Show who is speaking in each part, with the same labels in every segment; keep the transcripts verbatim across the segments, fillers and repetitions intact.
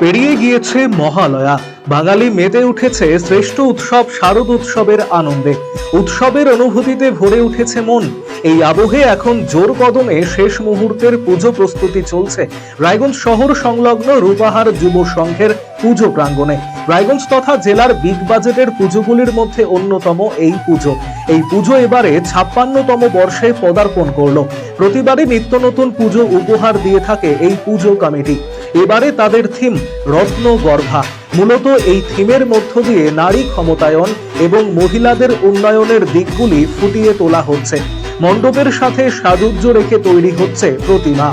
Speaker 1: পেরিয়ে গিয়েছে মহালয়া, বাঙালি মেতে উঠেছে শ্রেষ্ঠ উৎসব শারদ উৎসবের আনন্দে। উৎসবের অনুভূতিতে ভরে উঠেছে মন। এই আবহে এখন জোর কদমে শেষ মুহূর্তের পুজো প্রস্তুতি চলছে রায়গঞ্জ শহর সংলগ্ন রূপাহার যুব সংঘের পুজো প্রাঙ্গণে। রায়গঞ্জ তথা জেলার বিগ বাজেটের পুজোগুলির মধ্যে অন্যতম এই পুজো। এই পুজো এবারে ছাপ্পান্নতম বর্ষে পদার্পণ করলো। প্রতিবারই নিত্য নতুন পুজো উপহার দিয়ে থাকে এই পুজো কমিটি। এবারে তাদের থিম রত্ন গর্ভা। মূলত এই থিমের মধ্য দিয়ে নারী ক্ষমতায়ন এবং মহিলাদের উন্নয়নের দিকগুলি ফুটিয়ে তোলা হচ্ছে। মণ্ডপের সাথে সাজুজ্য রেখে তৈরি হচ্ছে প্রতিমা।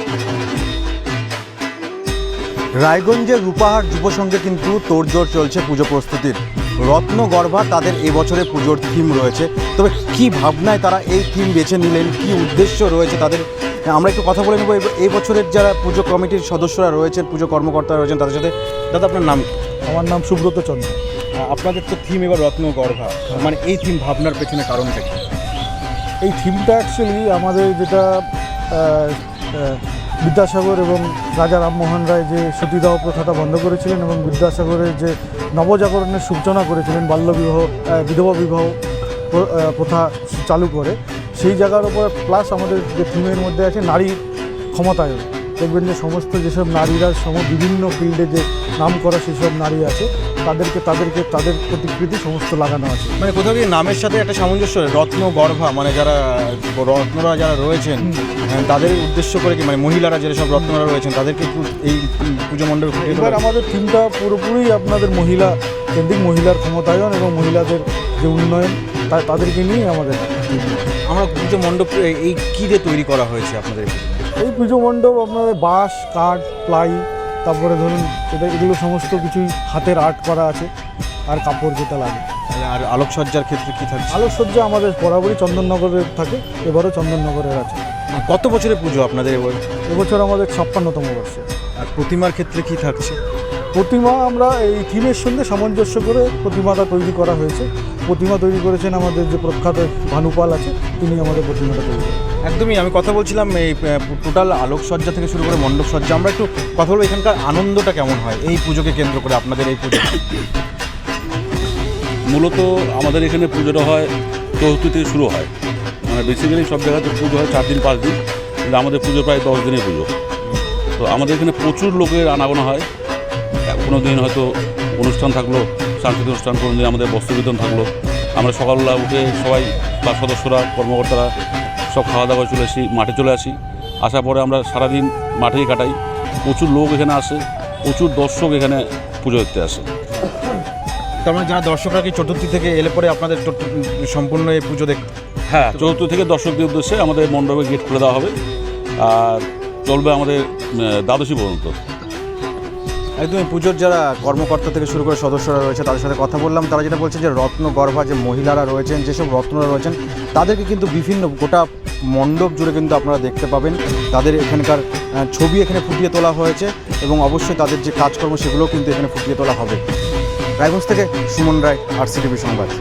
Speaker 2: রায়গঞ্জের রূপাহার যুব সংঘে কিন্তু তোড়জোড় চলছে পুজো প্রস্তুতির। রত্ন গর্ভা তাদের এবছরের পুজোর থিম রয়েছে। তবে কি ভাবনায় তারা এই থিম বেছে নিলেন, কি উদ্দেশ্য রয়েছে তাদের, আমরা একটু কথা বলে নেব এই বছরের যারা পুজো কমিটির সদস্যরা রয়েছেন, পুজো কর্মকর্তারা রয়েছেন তাদের সাথে। দাদা, আপনার নাম?
Speaker 3: আমার নাম সুব্রত চন্দ্র।
Speaker 2: আপনাদের তো থিম এবার রত্ন গর্ভা, মানে এই থিম ভাবনার পেছনে কারণটা কি?
Speaker 3: এই থিমটা অ্যাকচুয়ালি আমাদের যেটা বিদ্যাসাগর এবং রাজা রামমোহন রায় যে সতীদাহ প্রথাটা বন্ধ করেছিলেন এবং বিদ্যাসাগরের যে নবজাগরণের সূচনা করেছিলেন বাল্যবিবাহ বিধবা বিবাহ প্রথা চালু করে, সেই জায়গার উপর প্লাস আমাদের যে থিমের মধ্যে আছে নারী ক্ষমতায়ন। দেখবেন যে সমস্ত যেসব নারীরা সম বিভিন্ন ফিল্ডে যে নাম করা সেসব নারী আছে তাদেরকে তাদেরকে তাদের প্রতিকৃতি সমস্ত লাগানো আছে।
Speaker 2: মানে কোথাও কি নামের সাথে একটা সামঞ্জস্য, রত্ন গর্ভা মানে যারা রত্নরা যারা রয়েছেন তাদের উদ্দেশ্য করে কি, মানে মহিলারা যেসব রত্নরা রয়েছেন তাদেরকে এই পুজো মণ্ডপে।
Speaker 3: এবার আমাদের থিমটা পুরোপুরি আপনাদের মহিলা কেন্দ্রিক, মহিলার ক্ষমতায়ন এবং মহিলাদের যে উন্নয়ন তাদেরকে নিয়ে আমাদের।
Speaker 2: আমরা পুজো মণ্ডপ এই কী দিয়ে তৈরি করা হয়েছে আপনাদের?
Speaker 3: এই পুজো মণ্ডপ আপনাদের বাঁশ, কাঠ, প্লাই, তারপরে ধরুন এটা এগুলো সমস্ত কিছুই হাতের আর্ট করা আছে, আর কাপড় যেটা লাগে।
Speaker 2: আর আলোকসজ্জার ক্ষেত্রে কী থাকছে?
Speaker 3: আলোকসজ্জা আমাদের বরাবরই চন্দননগরের থাকে, এবারও চন্দননগরের আছে।
Speaker 2: কত বছরের পুজো আপনাদের এবার?
Speaker 3: এবছর আমাদের ছাপ্পান্নতম বর্ষ।
Speaker 2: আর প্রতিমার ক্ষেত্রে কী থাকছে?
Speaker 3: প্রতিমা আমরা এই থিমের সঙ্গে সামঞ্জস্য করে প্রতিমাটা তৈরি করা হয়েছে। প্রতিমা তৈরি করেছেন আমাদের যে প্রখ্যাত ভানুপাল আছে, তিনি আমাদের প্রতিমাটা তৈরি করেন।
Speaker 2: একদমই, আমি কথা বলছিলাম এই টোটাল আলোকসজ্জা থেকে শুরু করে মণ্ডপ সজ্জা। আমরা একটু কথা বলবো এখানকার আনন্দটা কেমন হয় এই পুজোকে কেন্দ্র করে, আপনাদের এই পুজো?
Speaker 4: মূলত আমাদের এখানে পুজোটা হয় চতুর্থী থেকে শুরু হয়, মানে বেসিক্যালি সব জায়গাতে পুজো হয় চার দিন পাঁচ দিন, কিন্তু আমাদের পুজো প্রায় দশ দিনের পুজো। তো আমাদের এখানে প্রচুর লোকের আনাগোনা হয়। কোনো দিন হয়তো অনুষ্ঠান থাকলো, সাংস্কৃতিক অনুষ্ঠান, কোনো দিন আমাদের বস্ত্র বিতরণ থাকলো। আমরা সকালবেলা উঠে সবাই বা সদস্যরা কর্মকর্তারা সব খাওয়া দাওয়া চলে আসি, মাঠে চলে আসি। আসার পরে আমরা সারাদিন মাঠেই কাটাই। প্রচুর লোক এখানে আসে, প্রচুর দর্শক এখানে পুজো দেখতে আসে।
Speaker 2: তার মানে যারা দর্শকরা কি চতুর্থী থেকে এলে পরে আপনাদের সম্পূর্ণ এই পুজো দেখ?
Speaker 4: হ্যাঁ, চতুর্থী থেকে দর্শকদের উদ্দেশ্যে আমাদের মণ্ডপে গেট খুলে দেওয়া হবে, আর চলবে আমাদের দ্বাদশী পর্যন্ত।
Speaker 2: একদমই, পুজোর যারা কর্মকর্তা থেকে শুরু করে সদস্যরা রয়েছে তাদের সাথে কথা বললাম। তারা যেটা বলছে যে রত্ন গর্ভা যে মহিলারা রয়েছেন, যেসব রত্নরা রয়েছেন তাদেরকে কিন্তু বিভিন্ন গোটা মণ্ডপ জুড়ে কিন্তু আপনারা দেখতে পাবেন। তাদের এখানকার ছবি এখানে ফুটিয়ে তোলা হয়েছে এবং অবশ্যই তাদের যে কাজকর্ম সেগুলোও কিন্তু এখানে ফুটিয়ে তোলা হবে। রায়গঞ্জ থেকে সুমন রায়, আরসিটিভি সংবাদ।